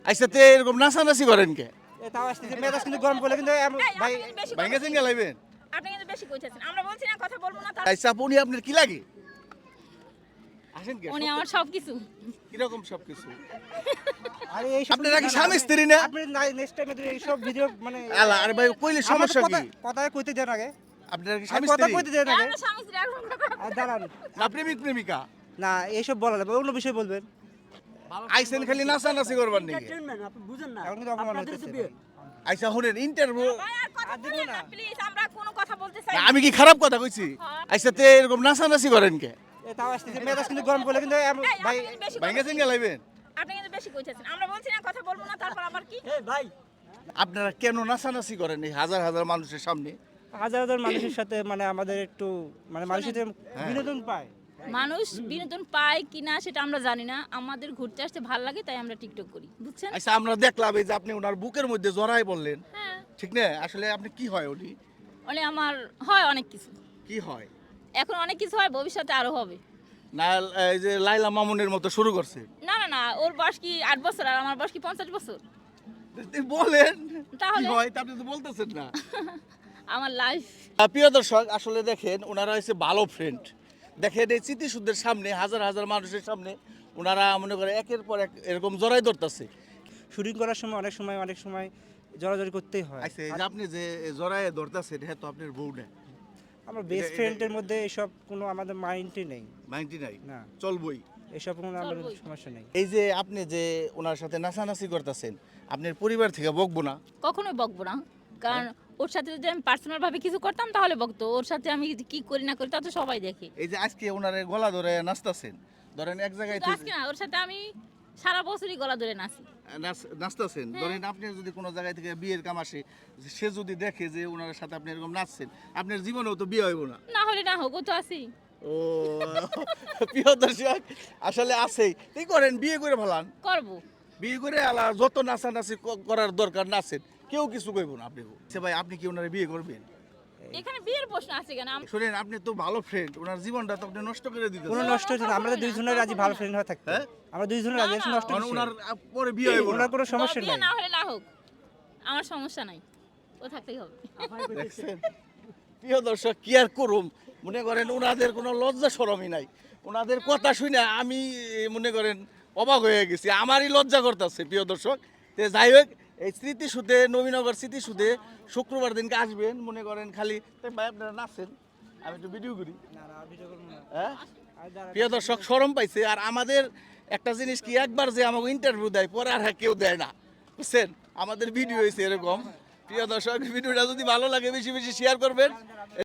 আচ্ছা তে এরকম নাচানাচি করেন কে? তাও আসতেছে মেজাজ কিন্তু গরম করলে কিন্তু ভাই ভাইঙ্গা চিঙ্গা লাইবেন? আপনি কিন্তু বেশি কইতেছেন। আমরা বলছি না কথা বলবো না তার আচ্ছা উনি আপনার কি লাগে? আসেন কে? উনি আমার সবকিছু। কিরকম সবকিছু? আরে এই সব আপনারা কি স্বামী স্ত্রী না? আপনি নেক্সট টাইমে এই সব ভিডিও মানে আলা আরে ভাই কইলে সমস্যা কি? কথা কইতে দেন আগে আপনারা কি আর স্বামী কথা স্ত্রী? কইতে দেন আগে আমরা স্বামী স্ত্রী এখন কথা আর দাঁড়ান না প্রেমিক প্রেমিকা? না এইসব বলা যাবে অন্য বিষয় বলবেন আইসেন খালি নাচানাচি করবার নাকি? আপনি বুঝেন না এখন কিন্তু অপমান হইতেছে আচ্ছা শুনেন ইন্টারভিউ ভাই আর কথা বলেন না প্লিজ আমরা কোনো কথা বলতে চাই আমি কি খারাপ কথা কইছি? আচ্ছা তে এরকম নাচানাচি করেন কে? তাও আসতেছে মেজাজ কিন্তু গরম করলে কিন্তু ভাই ভাইঙ্গা চিঙ্গা লাইবেন? আপনি কিন্তু বেশি কইতেছেন। আমরা বলছি না কথা বলবো না তারপর আবার কি? এই ভাই আপনারা কেন নাচানাচি করেন এই হাজার হাজার মানুষের সামনে? হাজার হাজার মানুষের সাথে মানে আমাদের একটু মানে মানুষের সাথে হ্যাঁ। বিনোদন পায় মানুষ বিনোদন পায় কিনা সেটা আমরা জানি না। আমাদের ঘুরতে আসতে ভালো লাগে তাই আমরা টিকটক করি। বুঝছেন? আচ্ছা আমরা দেখলাম এই যে আপনি ওনার বুকের মধ্যে জড়াই বললেন, হ্যাঁ। ঠিক না? আসলে আপনি কি হয় উনি? মানে আমার হয় অনেক কিছু। কি হয়? এখন অনেক কিছু হয় ভবিষ্যতে আরো হবে। না এই যে লাইলা মামুনের মতো শুরু করছে? না না না ওর বয়স কি 8 বছর আর আমার বয়স কি 50 বছর? বলেন কি তাহলে? হয় তা আপনি তো বলতেছেন না। আমার লাইফ প্রিয় দর্শক আসলে দেখেন ওনারা হচ্ছে ভালো ফ্রেন্ড। দেখেন এই স্মৃতিসুদ্ধের সামনে হাজার হাজার মানুষের সামনে ওনারা মনে করে একের পর এক এরকম জড়াই ধরতেছে। শুটিং করার সময় অনেক সময় জড়াজড়ি করতেই হয় আচ্ছা এই যে আপনি যে জড়াই ধরতেছেন হ্যাঁ তো আপনার বউ না আমার বেস্ট এটা- ফ্রেন্ডের মধ্যে এসব কোনো আমাদের মাইন্ডই নেই মাইন্ডি নাই না চলবই। এসব কোনো আমাদের চলবোই। সমস্যা নেই এই যে আপনি যে ওনার সাথে নাচানাচি করতেছেন আপনার পরিবার থেকে বকবো না? কখনোই বকবো না। কারণ ওর সাথে যদি আমি পার্সোনাল ভাবে কিছু করতাম তাহলে বকতো। ওর সাথে আমি কি করি না করি তা তো সবাই দেখে। এই যে আজকে ওনার গলা ধরে নাচতেছেন, ধরেন এক জায়গায় কিন্তু আজকে না ওর সাথে আমি সারা বছরই গলা ধরে নাচি। নাচতেছেন, ধরেন আপনি যদি কোনো জায়গায় থেকে বিয়ের কাম আসে সে যদি দেখে যে ওনার সাথে আপনি এরকম নাচছেন আপনার জীবনেও তো বিয়ে হইব না। না হলে না হোক ও তো আছি। ও প্রিয় দর্শক আসলে আছেই কি করেন বিয়ে করে ফেলান, করবো। বিয়ে করে আলা যত নাচানাচি করার দরকার নাচেন কেউ কিছু কইব না আপনি। আচ্ছা ভাই আপনি কি ওনারে বিয়ে করবেন? এখানে বিয়ের প্রশ্ন আছে কেন? শুনেন আপনি তো ভালো ফ্রেন্ড, ওনার জীবনটা তো আপনি নষ্ট করে দিতেছেন। কোনো নষ্ট হচ্ছে না আমরা দুইজনের রাজি ভালো ফ্রেন্ড হয়ে থাকতে হ্যাঁ? আমরা দুইজনের রাজি না, না, নষ্ট কারণ হচ্ছে ওনার পরে বিয়ে হইব না। ওনার কোনো সমস্যা বিয়ে নেই না হলে না হোক আমার সমস্যা নাই, ও থাকতেই হবে। দেখছেন প্রিয় দর্শক কি আর করুম, মনে করেন ওনাদের কোনো লজ্জা শরমই নাই। ওনাদের কথা শুনে আমি মনে করেন অবাক হয়ে গেছি, আমারই লজ্জা করতেছে। প্রিয় দর্শক তে যাই হোক এই স্মৃতিসুধে নবীনগর স্মৃতিসুধে শুক্রবার দিনকে আসবেন, মনে করেন খালি ভাই আপনারা নাচেন আমি একটু ভিডিও করি। হ্যাঁ প্রিয় দর্শক শরম পাইছে। আর আমাদের একটা জিনিস কি একবার যে আমাকে ইন্টারভিউ দেয় পরে আর কেউ দেয় না, বুঝছেন? আমাদের ভিডিও হয়েছে এরকম। প্রিয় দর্শক ভিডিওটা যদি ভালো লাগে বেশি বেশি শেয়ার করবেন।